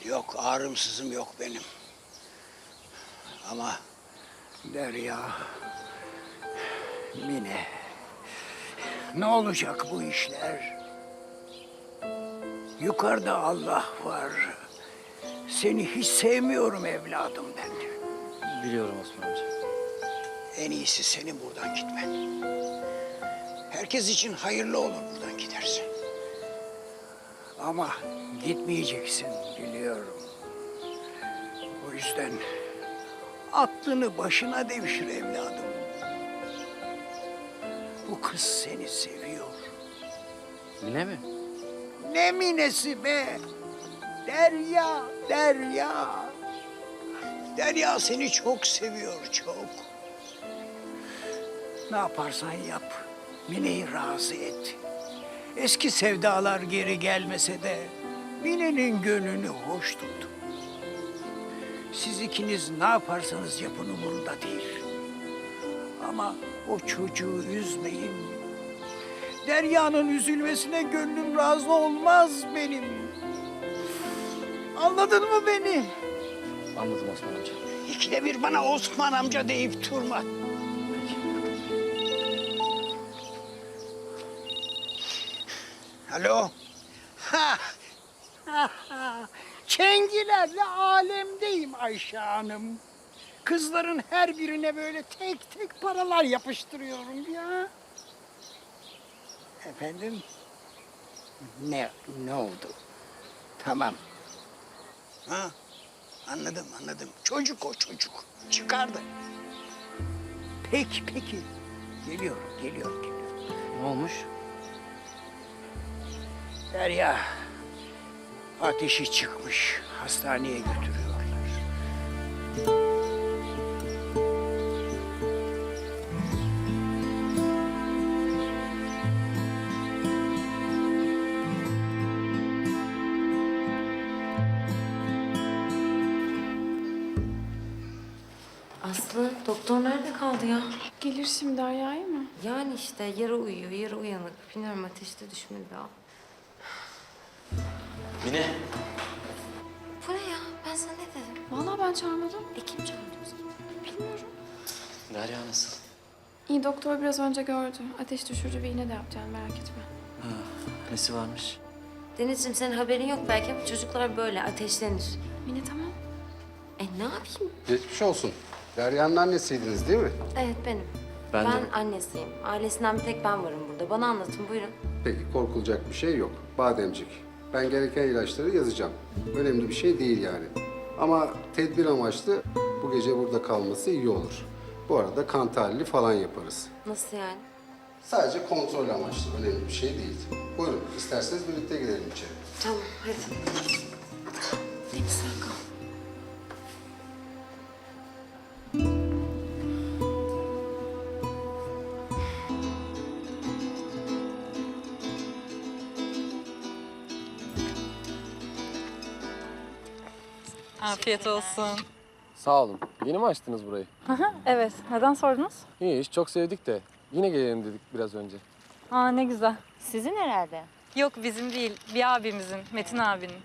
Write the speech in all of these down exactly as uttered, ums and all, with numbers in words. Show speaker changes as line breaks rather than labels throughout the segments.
Yok, ağrımsızım yok benim. Ama Derya, Mine, ne olacak bu işler? Yukarıda Allah var. Seni hiç sevmiyorum evladım ben.
Biliyorum Osman amca.
En iyisi senin buradan gitmen. Herkes için hayırlı olur buradan gidersen. Ama gitmeyeceksin biliyorum. O yüzden aklını başına devşir evladım. Bu kız seni seviyor.
Mine mi?
Ne minesi be? Derya, Derya. Derya seni çok seviyor, çok. Ne yaparsan yap, Mine'yi razı et. Eski sevdalar geri gelmese de Mine'nin gönlünü hoş tut. Siz ikiniz ne yaparsanız yapın umurunda değil. Ama o çocuğu üzmeyin. Derya'nın üzülmesine gönlüm razı olmaz benim. Anladın mı beni?
Anladım Osman amca.
İkide bir bana Osman amca deyip durma. Alo. Ha. Ha, ha. Çengilerle alemdeyim Ayşe Hanım. Kızların her birine böyle tek tek paralar yapıştırıyorum ya. Efendim? Ne, ne oldu? Tamam. Ha, anladım, anladım. Çocuk o çocuk. Çıkardı. Peki, peki. Geliyorum, geliyorum, geliyorum.
Ne olmuş?
Derya, ateşi çıkmış. Hastaneye götürüyorlar.
Aslı, doktor nerede kaldı ya?
Gelir şimdi Derya'ya mı?
Yani işte yarı uyuyor, yarı uyanık. Bilmiyorum ateşte düşmedi daha.
Mine.
Bu ne ya? Ben sana ne dedim?
Vallahi ben çağırmadım.
E kim çağırdı o zaman?
Bilmiyorum.
Derya nasıl?
İyi doktor biraz önce gördü. Ateş düşürücü bir iğne de yapacağım merak etme.
Ha, nesi varmış?
Denizciğim senin haberin yok belki ama çocuklar böyle ateşlenir.
Mine tamam.
E ne yapayım?
Geçmiş olsun. Derya'nın annesiydiniz değil mi?
Evet benim.
Ben
Ben,
de.
annesiyim. Ailesinden bir tek ben varım burada. Bana anlatın buyurun.
Peki korkulacak bir şey yok. Bademcik. Ben gereken ilaçları yazacağım. Önemli bir şey değil yani. Ama tedbir amaçlı bu gece burada kalması iyi olur. Bu arada kan tahlili falan yaparız.
Nasıl yani?
Sadece kontrol amaçlı. Önemli bir şey değil. Buyurun isterseniz birlikte gidelim içeri.
Tamam hadi.
Deniz sen kal.
Afiyet olsun.
Sağ olun. Yeni mi açtınız burayı?
Evet, neden sordunuz?
İyi, çok sevdik de. Yine gelelim dedik biraz önce.
Aa ne güzel.
Sizin herhalde.
Yok bizim değil, bir abimizin, Metin abinin.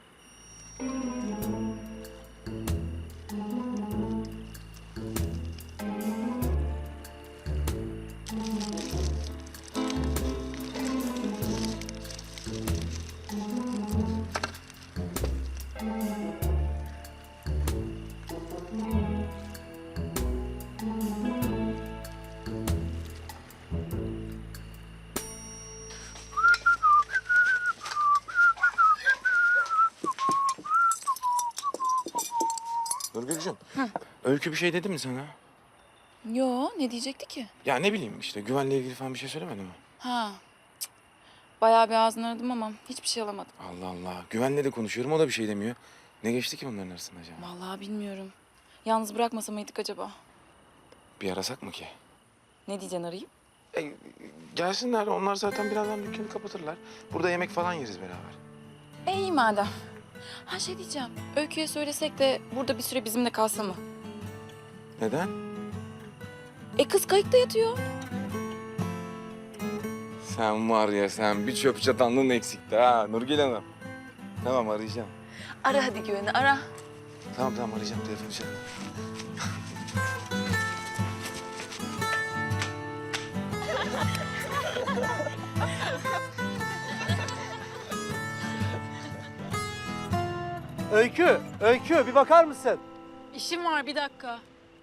Nurgül'cüğüm, Öykü bir şey dedi mi sana?
Yo, ne diyecekti ki?
Ya ne bileyim işte güvenle ilgili falan bir şey söylemedi mi?
Ha, cık. Bayağı bir ağzını aradım ama hiçbir şey alamadım.
Allah Allah, güvenle de konuşuyorum o da bir şey demiyor. Ne geçti ki bunların arasında acaba?
Vallahi bilmiyorum. Yalnız bırakmasa mıydık acaba?
Bir arasak mı ki?
Ne diyeceksin arayayım?
E, gelsinler onlar zaten birazdan dükkanı kapatırlar. Burada yemek falan yeriz beraber.
E iyi madem. Ha şey diyeceğim, Öykü'ye söylesek de burada bir süre bizimle kalsa mı?
Neden?
E kız kayıkta yatıyor.
Sen var ya sen bir çöp çatanlığın eksikti ha Nurgül Hanım. Tamam arayacağım.
Ara hadi güveni ara.
Tamam tamam arayacağım telefonu çaldı.
Öykü, Öykü bir bakar mısın?
İşim var bir dakika.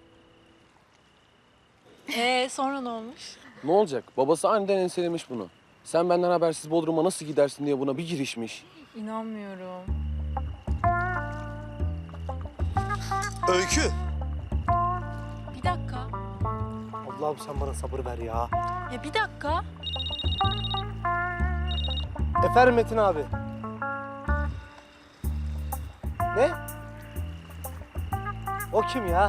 Ee sonra ne olmuş?
Ne olacak? Babası aniden enselemiş bunu. Sen benden habersiz Bodrum'a nasıl gidersin diye buna bir girişmiş.
İnanmıyorum.
Öykü.
Bir dakika.
Allah'ım sen bana sabır ver ya.
Ya bir dakika.
Efendim Metin abi. Ne? O kim ya?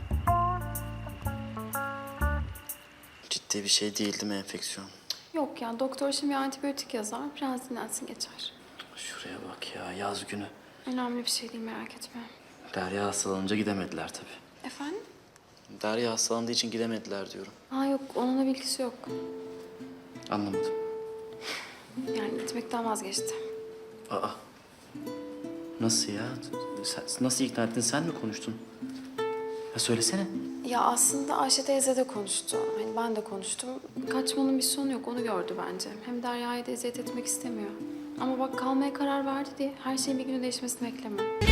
Ciddi bir şey değildi mi enfeksiyon?
Yok ya doktor şimdi bir antibiyotik yazar. Biraz dinlensin geçer.
Şuraya bak ya, yaz günü.
Önemli bir şey değil merak etme.
Derya hastalanınca gidemediler tabii.
Efendim?
Derya hastalandığı için gidemediler diyorum.
Ha yok onunla bilgisi yok.
Anlamadım.
Yani gitmekten vazgeçti.
Aa. Nasıl ya? Sen, nasıl ikna ettin? Sen mi konuştun? Ya söylesene.
Ya aslında Ayşe teyze de konuştu. Hani ben de konuştum. Kaçmanın bir sonu yok onu gördü bence. Hem Derya'ya da eziyet etmek istemiyor. Ama bak kalmaya karar verdi diye her şeyin bir günü değişmesini bekleme.